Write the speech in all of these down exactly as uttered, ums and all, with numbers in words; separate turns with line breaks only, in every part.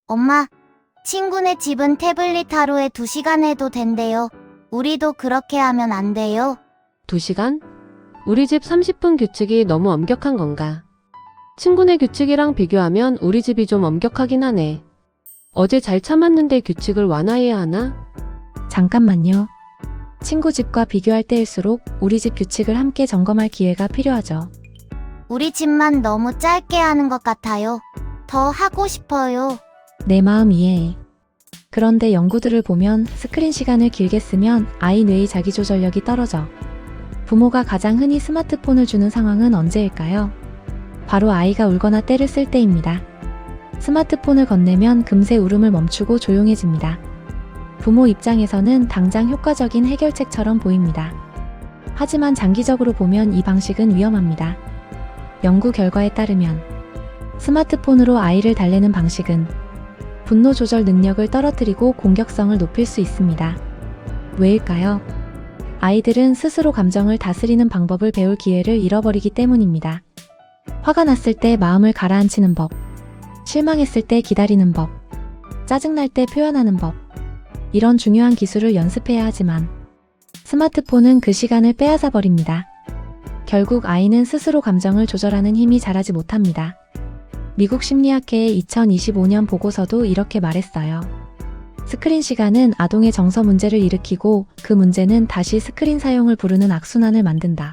엄마, 친구네 집은 태블릿 하루에 두 시간 해도 된대요. 우리도 그렇게 하면 안 돼요?
두 시간? 우리 집 삼십 분 규칙이 너무 엄격한 건가? 친구네 규칙이랑 비교하면 우리 집이 좀 엄격하긴 하네. 어제 잘 참았는데 규칙을 완화해야 하나?
잠깐만요. 친구 집과 비교할 때일수록 우리 집 규칙을 함께 점검할 기회가 필요하죠.
우리 집만 너무 짧게 하는 것 같아요. 더 하고 싶어요.
내 마음 이해해. 그런데 연구들을 보면 스크린 시간을 길게 쓰면 아이 뇌의 자기조절력이 떨어져. 부모가 가장 흔히 스마트폰을 주는 상황은 언제일까요? 바로 아이가 울거나 떼를 쓸 때입니다. 스마트폰을 건네면 금세 울음을 멈추고 조용해집니다. 부모 입장에서는 당장 효과적인 해결책처럼 보입니다. 하지만 장기적으로 보면 이 방식은 위험합니다. 연구 결과에 따르면 스마트폰으로 아이를 달래는 방식은 분노 조절 능력을 떨어뜨리고 공격성을 높일 수 있습니다. 왜일까요? 아이들은 스스로 감정을 다스리는 방법을 배울 기회를 잃어버리기 때문입니다. 화가 났을 때 마음을 가라앉히는 법, 실망했을 때 기다리는 법, 짜증날 때 표현하는 법, 이런 중요한 기술을 연습해야 하지만 스마트폰은 그 시간을 빼앗아 버립니다. 결국 아이는 스스로 감정을 조절하는 힘이 자라지 못합니다. 미국 심리학회의 이천이십오 년 보고서도 이렇게 말했어요. 스크린 시간은 아동의 정서 문제를 일으키고 그 문제는 다시 스크린 사용을 부르는 악순환을 만든다.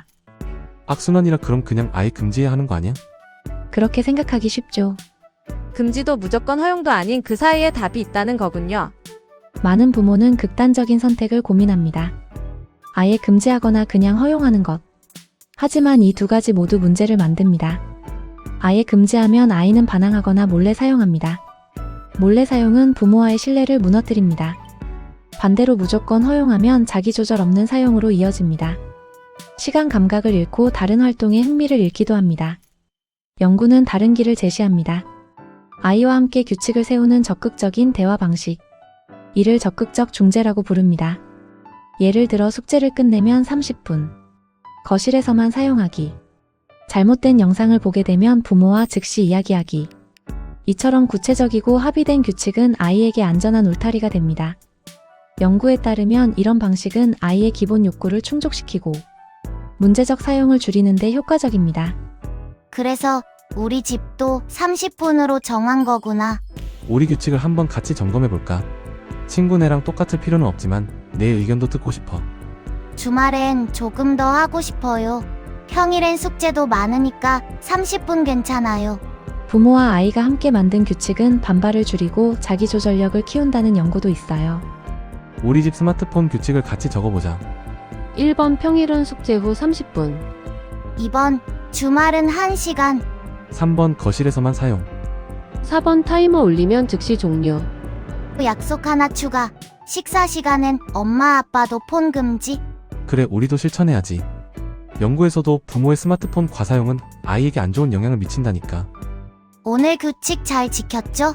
악순환이라 그럼 그냥 아예 금지해야 하는 거 아니야?
그렇게 생각하기 쉽죠.
금지도 무조건 허용도 아닌 그 사이에 답이 있다는 거군요.
많은 부모는 극단적인 선택을 고민합니다. 아예 금지하거나 그냥 허용하는 것. 하지만 이 두 가지 모두 문제를 만듭니다. 아예 금지하면 아이는 반항하거나 몰래 사용합니다. 몰래 사용은 부모와의 신뢰를 무너뜨립니다. 반대로 무조건 허용하면 자기조절 없는 사용으로 이어집니다. 시간 감각을 잃고 다른 활동에 흥미를 잃기도 합니다. 연구는 다른 길을 제시합니다. 아이와 함께 규칙을 세우는 적극적인 대화 방식. 이를 적극적 중재라고 부릅니다. 예를 들어 숙제를 끝내면 삼십 분. 거실에서만 사용하기. 잘못된 영상을 보게 되면 부모와 즉시 이야기하기. 이처럼 구체적이고 합의된 규칙은 아이에게 안전한 울타리가 됩니다. 연구에 따르면 이런 방식은 아이의 기본 욕구를 충족시키고 문제적 사용을 줄이는 데 효과적입니다.
그래서 우리 집도 삼십 분으로 정한 거구나.
우리 규칙을 한번 같이 점검해볼까? 친구네랑 똑같을 필요는 없지만 내 의견도 듣고 싶어.
주말엔 조금 더 하고 싶어요. 평일엔 숙제도 많으니까 삼십 분 괜찮아요.
부모와 아이가 함께 만든 규칙은 반발을 줄이고 자기조절력을 키운다는 연구도 있어요.
우리 집 스마트폰 규칙을 같이 적어보자.
일 번 평일은 숙제 후 삼십 분.
이 번 주말은 한 시간.
삼 번 거실에서만 사용.
사 번 타이머 울리면 즉시 종료.
약속 하나 추가. 식사 시간엔 엄마 아빠도 폰 금지.
그래, 우리도 실천해야지. 연구에서도 부모의 스마트폰 과사용은 아이에게 안 좋은 영향을 미친다니까.
오늘 규칙 잘 지켰죠?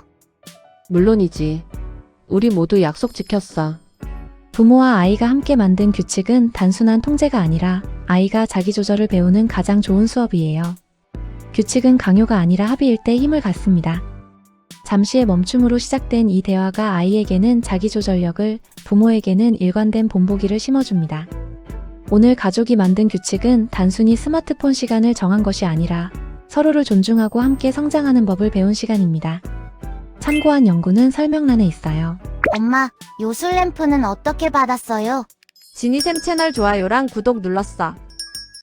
물론이지. 우리 모두 약속 지켰어.
부모와 아이가 함께 만든 규칙은 단순한 통제가 아니라 아이가 자기조절을 배우는 가장 좋은 수업이에요. 규칙은 강요가 아니라 합의일 때 힘을 갖습니다. 잠시의 멈춤으로 시작된 이 대화가 아이에게는 자기조절력을, 부모에게는 일관된 본보기를 심어줍니다. 오늘 가족이 만든 규칙은 단순히 스마트폰 시간을 정한 것이 아니라 서로를 존중하고 함께 성장하는 법을 배운 시간입니다. 참고한 연구는 설명란에 있어요.
엄마, 요술 램프는 어떻게 받았어요?
지니샘 채널 좋아요랑 구독 눌렀어.